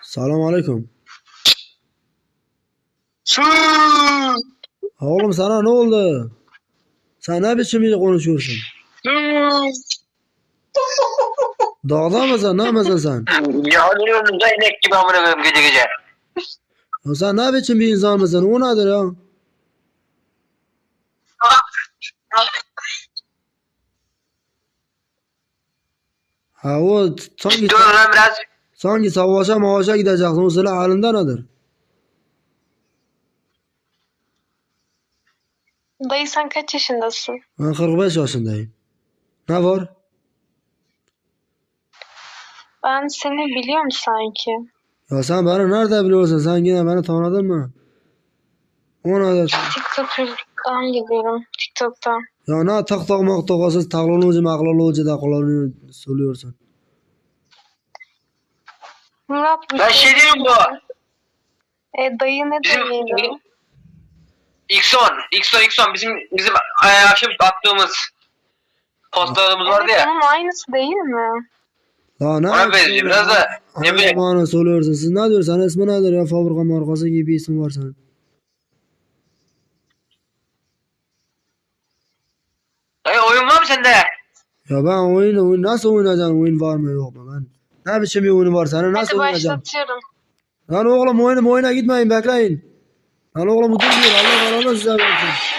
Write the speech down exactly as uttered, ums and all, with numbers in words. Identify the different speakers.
Speaker 1: Selam aleyküm.
Speaker 2: Su.
Speaker 1: Oğlum sana ne oldu? Sen ne biçim bir konuşuyorsun? Dağda mısın? Ne mısın sen?
Speaker 2: Yanıyorum da inek gibi amına koyayım gece gece.
Speaker 1: Ya sen ne biçim bir insan mısın? O nedir ya? Ha o t- sanki,
Speaker 2: Dur lan biraz.
Speaker 1: sanki savaşa mavaşa gideceksin. O silah halinde nedir?
Speaker 3: Dayı sen kaç yaşındasın?
Speaker 1: Ben kırk beş yaşındayım. Ne var?
Speaker 3: Ben seni biliyorum sanki.
Speaker 1: Ya sen beni nerede biliyorsun? Sen yine beni tanıdın mı? O nedir?
Speaker 3: TikTok'tan gidiyorum. TikTok'tan.
Speaker 1: Ya ne tak tak mak tokasız teknoloji maknoloji da kullanıyor, söylüyorsun.
Speaker 3: Murat bir
Speaker 2: Ben şey diyeyim bu.
Speaker 3: E, dayı ne
Speaker 2: Bizim
Speaker 3: dayıydı?
Speaker 2: X on, X on, X on bizim bizim e, akşam attığımız postlarımız vardı
Speaker 3: Evet
Speaker 2: ya.
Speaker 3: onun aynısı değil mi?
Speaker 1: Ya ne?
Speaker 2: Ona benziyor biraz da ne
Speaker 1: Hangi
Speaker 2: bileyim.
Speaker 1: bana söylüyorsun? Siz ne diyorsun? İsmi nedir ya? Fabrika markası gibi bir isim var senin.
Speaker 2: Dayı oyun var mı sende?
Speaker 1: Ya ben oyun, oyun nasıl oynayacağım? Oyun var mı yok mu? Ben ne biçim bir oyunu var senin? Nasıl
Speaker 3: Hadi
Speaker 1: oynayacağım?
Speaker 3: başlatıyorum.
Speaker 1: Lan oğlum oyunu oyuna gitmeyin bekleyin. Lan oğlum dur diyor. Allah Allah size versin.